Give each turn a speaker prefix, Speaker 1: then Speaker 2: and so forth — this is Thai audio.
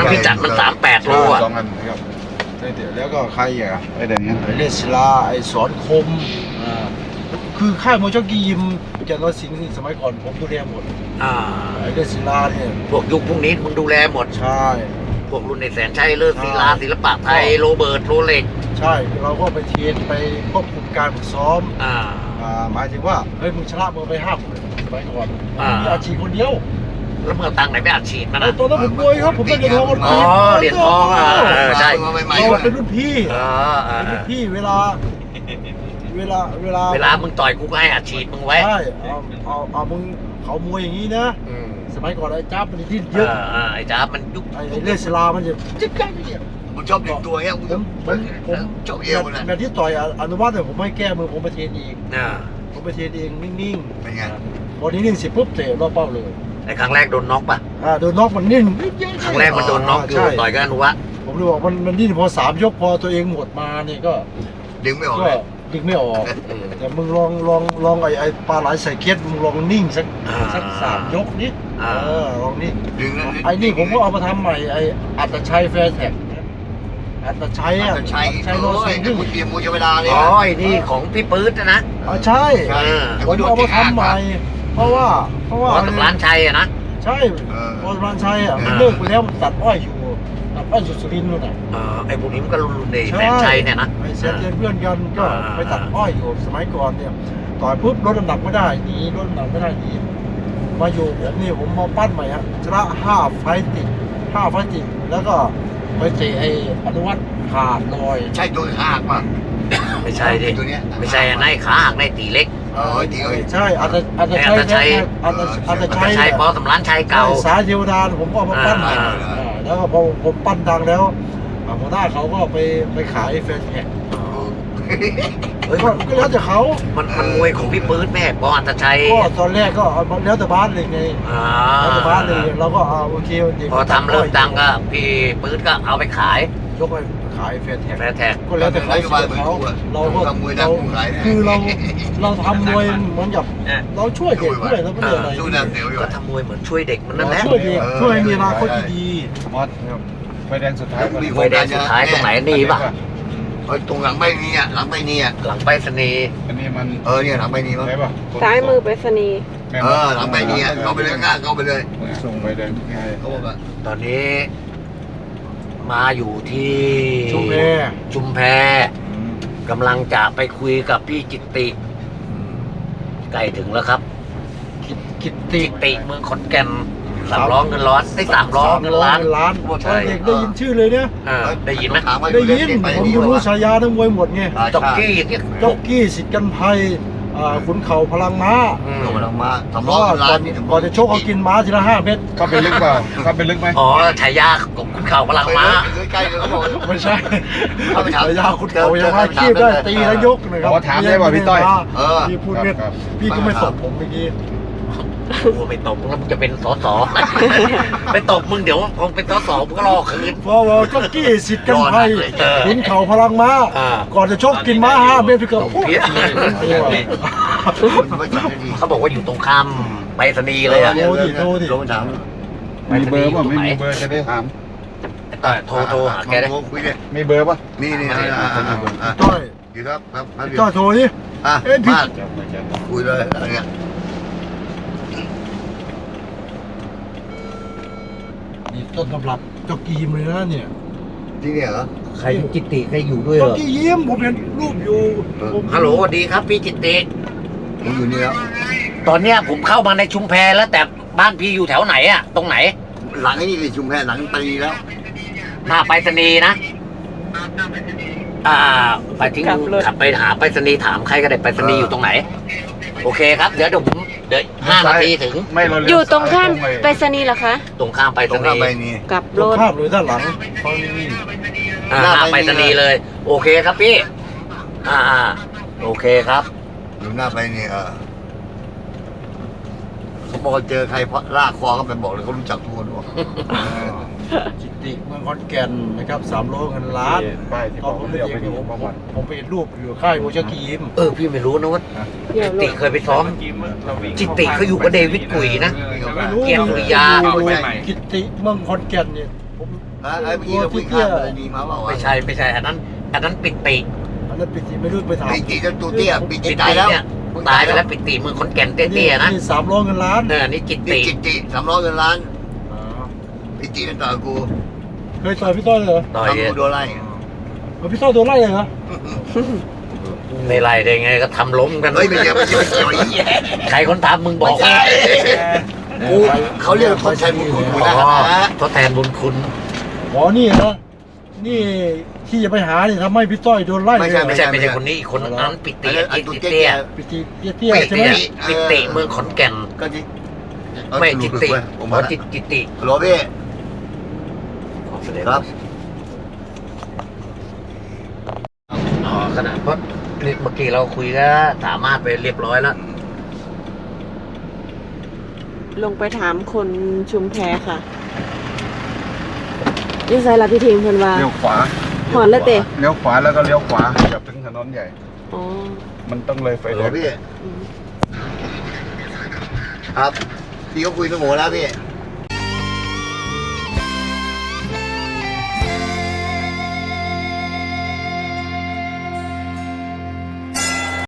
Speaker 1: พิกัดมัน38 โลอ่ะ
Speaker 2: สองอันนะครับแล้วก็ใครอ่ะไอ้เดี๋ยวนี้
Speaker 3: ไอ้เลสลาไอ้สอนคมคือค่ายมวยจ็อกกี้ยิมแกนร้อยสิงห์นี่สมัยก่อนผมดูแลหมดไอ้เลสลาเนี่ย
Speaker 1: พวกยุคพวกนี้มึงดูแลหมด
Speaker 3: ใช่
Speaker 1: พวกรุ่นในแสนชัยเลิศศิลาศิลปะไทยโรเบิร์ตโรเล็ก
Speaker 3: ใช่เราก็ไปเทรนไปควบคุมการฝึกซ้อม
Speaker 1: อ่า
Speaker 3: หมายถึงว่าเฮ้ยมึงชนะมึงไป5 คนสมัยก่อน มีอาชีพคนเดียว
Speaker 1: แล้วมึงเอาตังค์ไหนไปอัดฉีดมัน
Speaker 3: ไอ้
Speaker 1: นะ
Speaker 3: ตอนนั้นผมมวยครับผมได้เหรียญทอง
Speaker 1: อ๋อเหรียญทองใช่
Speaker 3: เราเป็นรุ่นพี่
Speaker 1: เป็น
Speaker 3: รุ่นพี่เวลา
Speaker 1: มึงต่อยกูก็ให้อัดฉีดมึงไว้
Speaker 3: ใช่เอามึงเขามวยอย่างนี้นะ สมัยก่อนไอ้จ้ามันดิ้นเยอะ
Speaker 1: ไอ้จ้ามันยุค
Speaker 3: ไอ้เลสลามันจะจิ๊บจ้าเนี่ย
Speaker 2: ผมชอบดึงตัวเงี้ยผมชอบเอวนะ
Speaker 3: แมตช์ที่ต่อยอนุวัฒน์เนี่ยผมไม่แก้มือผมไปเทรนเองผมไปเทรนเองนิ่ง
Speaker 2: เป็นไง
Speaker 3: ๆพอนิ่งๆเสร็จปุ๊บเตะรอบเป้าเลย
Speaker 1: ไอ้ครั้งแรกโดนน็อกป่ะ
Speaker 3: โดนน็อกมันนิ่ง
Speaker 1: ครั้งแรกมันโดนน็อกอยู่ต่อยกับอนุวัฒน์
Speaker 3: ผมเลยบอกมันดิ้นพอ3 ยกพอตัวเองหมดมาเนี่ยก็
Speaker 2: ดึงไม่ออก
Speaker 3: ก็
Speaker 2: เลย
Speaker 3: ดึงไม่ออกแต่มึงลองไอ้ปลาไหลใส่เคสมึงลองนิ่งสัก3 ยกนิดลองนิ่ง
Speaker 2: ดึง
Speaker 3: ไอ้นี่ผมก็เอามาทำใหม่ไอ้อัตชัยแฟร์แท็กอัตชัยอ่ะ
Speaker 2: ใช้
Speaker 3: ชัยโล
Speaker 2: โอ้ย
Speaker 3: ซิง
Speaker 2: คุณเตรียมมูชเวลาเลย
Speaker 1: อ๋อไอ้นี่ของพี่ปื๊ดนะ
Speaker 3: ใช่
Speaker 2: ผม
Speaker 3: เอามาทำใหม่เพราะว่า
Speaker 1: อ๋อกับร้านชัยนะ
Speaker 3: ใช่บอลร้านชัยอ่ะมันเลิกไปแล้วมันตัดอ้อยอยู่สุรินทร์นู่นน่ะ
Speaker 1: ไอ้พวกนี้มันก็รุ่นในแสนชัยเนี่ยนะ
Speaker 3: ไอ้เซนเพื่อนกันก็ไปตัดอ้อยอยู่สมัยก่อนเนี่ยต่อยปุ๊บลดน้ำหนักไม่ได้หนีลดน้ำหนักไม่ได้หนีมาอยู่ผมนี่ผมมาปั้นใหม่ฮะชนะ5 ไฟต์ติดแล้วก็ไปเตะไอ้อนุวัฒน์ขาดลอย
Speaker 2: ใช่ตัวหักป่ะ
Speaker 1: ไม่ใช่ดิ
Speaker 2: ตัวเนี้ย
Speaker 1: ไม่ใช่นายขาหักนายตีเล็ก
Speaker 2: ตีเอ้ย
Speaker 3: ใช่อาจจะใช้
Speaker 1: ปอสำรานชัยเก่า
Speaker 3: สายเทวดาผมก็เอามาปั้นใหม่แล้วก็พอผมปั้นดังแล้วหัวหน้าเขาก็ไปขายแฟนแท็ก
Speaker 1: เฮ้ย
Speaker 3: ก็แล้วแต่เขา
Speaker 1: มันมวยของพี่ปื๊ดแม่ปออัตชัย
Speaker 3: ก็ตอนแรกก็แล้วแต่บ้านเลยไงแล้วแต่บ้านเลยเราก็โอเค
Speaker 1: พอทำเริ่มดังก็พี่ปื๊ดก็เอาไปขาย
Speaker 3: ยกไปขายแฟนแท็ก
Speaker 1: แฟร์แท็ก
Speaker 3: ก็แล้วแต่เขาเราก็คือเราทำมวยเหมือนกับเราช่วยเด็กด้วยแล้วก็เลยอะไร
Speaker 2: สู้น้ำเสียวอยู่
Speaker 1: ก็ทำมวยเหมือนช่วยเด็กมันนั่นแหละ
Speaker 3: ช่วยเด็กช่วยให้มีอนาคตดี
Speaker 2: มอสไฟแดงสุดท้าย
Speaker 1: ไฟแดงสุดท้ายตรงไหนนี่ป่ะ
Speaker 2: ตรงหลังใบนี้อ่ะหลังใบนี้อ่ะ
Speaker 1: หลังไปรษณีย์
Speaker 2: อันนี้มันเนี่ยหลังใบนี้มั้ง
Speaker 4: ใช่ป่ะ
Speaker 5: ซ้ายมือไปรษณีย์
Speaker 2: หลังใบนี้อ่ะเข้าไปเลยง่ายเข้าไปเลย
Speaker 4: ส่งไปแดงไง
Speaker 2: เขาบอกว่า
Speaker 1: ตอนนี้ มาอยู่ที่ ชุมแพกำลังจะไปคุยกับพี่จิตติใกล้ถึงแล้วครับ
Speaker 3: กิต
Speaker 1: จิตติเมืองขอนแก่น3 ล้อเงินร้อนได้3 ล้อเงินล้าน
Speaker 3: ตอนเด็กได้ยินชื่อเลยเนี่ย
Speaker 1: ได้ยินไหม
Speaker 3: ได้ยินผมรู้ฉายาทั้งมวยหมดไง
Speaker 1: จ็อกกี้อย่างเงี้ย
Speaker 3: จ็อกกี้สิทธิ์กันภัยขุนเข่าพลังม้า
Speaker 2: ลงมาลงมาสำ
Speaker 3: เพ
Speaker 2: รอ
Speaker 3: ราะ
Speaker 2: ง
Speaker 3: ว่า
Speaker 2: ร้า
Speaker 3: ก่อน น
Speaker 2: นี่
Speaker 3: ก่อนจะชกเขากินม้าทีละ5 เม็ด
Speaker 4: เข้าไปลึกเปล่าเข้าไปลึกไหม
Speaker 1: อ๋อฉายาของคุณเข่าพลังม้า
Speaker 2: ใกล้เลยเขาบอก
Speaker 3: ไม่ใช่
Speaker 2: เข้าไปถาม
Speaker 3: ฉายาขุนเข่ายังมาคีบได้ตีแล้วยกนะครับพี่พูดเม็ดพี่ก็ไม่ตบผมเมื่อกี้
Speaker 1: กูไปตบมึงแล้วมึงจะเป็นสส ไปตบมึงเดี๋ยวพอเป็นสสมึงก็รอคืน
Speaker 3: เพราะว่าจ็อกกี้สิทธิ์กันภัยขุนเข่าพลังม้าก่อนจะชกกินม้า5 เม็ดพี่ก็
Speaker 1: เพี้ยเขาบอกว่าอยู่ตรงข้ามไปรษณีย์เลยอะ
Speaker 3: โทรดิ
Speaker 2: ลงถาม
Speaker 4: มีเบอร์ป่ะไม่มีเบอร์จะได้ถาม
Speaker 1: โทรหาแกได้
Speaker 2: คุยเลย
Speaker 4: มีเบอร์ป่ะ
Speaker 2: นี่
Speaker 3: จ้อย
Speaker 2: อยู่ครับครับ
Speaker 3: จ้อยโทรดิ
Speaker 2: มาคุยเลยอะไรเงี้ย
Speaker 3: นี่ต้นตำรับจ็อกกี้ยิมเลยนะเนี่ย
Speaker 2: ที่เนี่ยเหรอ
Speaker 1: ใครจิตติใครอยู่ด้วยเห
Speaker 3: จ็
Speaker 1: ร
Speaker 3: อก
Speaker 1: อ
Speaker 3: กี้ยิมผมเห็นรูปอยู่ผม
Speaker 1: ฮัลโหลสวัสดีครับพี่จิตติ
Speaker 2: ผมอยู่นี่แล้ว
Speaker 1: ตอนเนี้ยผมเข้ามาในชุมแพแล้วแต่บ้านพี่อยู่แถวไหนอะตรงไหน
Speaker 2: หลังนี่เลยชุมแพหลังตีแล้ว
Speaker 1: หน้าไปรษณีย์นะไปทิ้งขับไปหาไปรษณีย์ถามใครก็ได้ไปรษณีย์อยู่ตรงไหน โอเคครับเดี๋ยวผมเดี๋ยว5 นาทีถึง
Speaker 4: ไม่เรา
Speaker 5: อยู่ตรงข้ามไปรษณีย์เหรอคะ
Speaker 1: ตรงข้ามไปร
Speaker 2: ตร
Speaker 1: ษ
Speaker 2: ง
Speaker 1: ณี
Speaker 2: ข้าม
Speaker 1: ย์
Speaker 2: ไปนี่
Speaker 5: กลับ
Speaker 3: ร
Speaker 5: ร
Speaker 3: ถ
Speaker 5: ถ
Speaker 3: ภาพเลยด้านหลังตอนนี้
Speaker 1: หน้าไปรษณีย์เลย โอเคครับพี่โอเคครับ
Speaker 2: อยู่หน้าไปนี่เขาบอกเจอใครเพราะลากคอเขาไปบอกเลยเขารู้จักทุกคนบอก
Speaker 3: จิตติเมืองขอนแก่นนะครับ3 โลเงินล้าน
Speaker 4: ป้ายที่
Speaker 3: ต
Speaker 4: บ
Speaker 3: อ
Speaker 4: อน ก
Speaker 3: ผม
Speaker 4: เรี
Speaker 3: เด็
Speaker 4: ยก
Speaker 3: ก
Speaker 4: ไป
Speaker 3: ๆ
Speaker 4: อยู่ประวัติ
Speaker 3: ผมไปเห็นรูปอยู่ค่ายโมชกีม
Speaker 1: พี่ไม่รู้นะว่า
Speaker 5: เดี๋ยว
Speaker 1: จิตติเคยไปซ้อม จิตติเขาอยู่กับเดวิดกุยนะ
Speaker 3: ไม่รู้
Speaker 1: เกียรติสุริยา
Speaker 3: กิตติเมืองขอนแก่นเนี่ยผม
Speaker 2: ไอ้เมื่อกี้เราคุยข้ามเลยดีมาเปล่าวะ
Speaker 1: ไม่ใช่อันนั้นปิติ
Speaker 3: อันนั้นปิติไม่รู้ไปถาม
Speaker 2: ปีจีจะตัวเตี้ยปีจี
Speaker 1: ปิ
Speaker 2: ตาย
Speaker 1: ติ
Speaker 2: แล้ว
Speaker 1: เนี่ยตายไปแล้วปิติมือคนแก่นเตี้ยๆนะ
Speaker 3: นี่300เงินล้าน
Speaker 1: นี่จิต
Speaker 2: นี่
Speaker 1: ติ
Speaker 2: จิตติ300 เงินล้าน
Speaker 3: อ๋อ
Speaker 2: ปีจีนั่นต่อกู
Speaker 3: เคยต่อยพี่ต้อยเลยเหรอ
Speaker 1: ต่อย
Speaker 2: ทำกูโดนไล่
Speaker 3: พี่ต้อยโดนไล่เลยเหรอ
Speaker 1: ในไรได้ไงก็ทำล้มกัน
Speaker 2: เฮ้ยไม่ใช่ไม่ใช่ไม่ใช่
Speaker 1: ใครคนทำมึงบ
Speaker 2: ไม่
Speaker 1: อก
Speaker 2: ใช่กูเขาเรียกคนใช้บุญคุณกู
Speaker 1: อ๋
Speaker 2: นะ
Speaker 1: อทดแทนบุญคุณ
Speaker 3: อ๋อนี่นะนี่ที่จะไปหานี่ทำให้พี่ต้อยโดนไล่เลย
Speaker 1: ไม่ใช่คนนี้อีกคนนั้นปิติ
Speaker 2: ไอ้ตัว
Speaker 1: จิต
Speaker 2: เตี้
Speaker 1: เตี้
Speaker 2: ย
Speaker 1: ย
Speaker 3: ปิติเตี้ยๆใช่ไหม
Speaker 1: ปิติเมืองขอนแก่น
Speaker 2: ก็ที่
Speaker 1: ไม่จิตติ
Speaker 2: ผม
Speaker 1: อ๋
Speaker 2: มา
Speaker 1: อจิตติ
Speaker 2: โรบี้ครับ
Speaker 1: อ๋อขนาดเพราะนี่เมื่อกี้เราคุยก็สามารถไปเรียบร้อยแล้ว
Speaker 5: ลงไปถามคนชุมแพค่ะยังไงล่ะพี่ทีมเพิ่นว่า
Speaker 4: เลี้ยวขวา
Speaker 5: หอนแล้วเตะ
Speaker 4: เลี้ยวขวาแล้วก็เลี้ยวขวาเกือบถึงถนนใหญ่
Speaker 5: อ๋อ
Speaker 4: มันต้องเลยไฟ
Speaker 2: โร
Speaker 4: แดง
Speaker 2: บี้
Speaker 5: อืม
Speaker 2: ครับพี่ก็คุยสมองแล้วพี่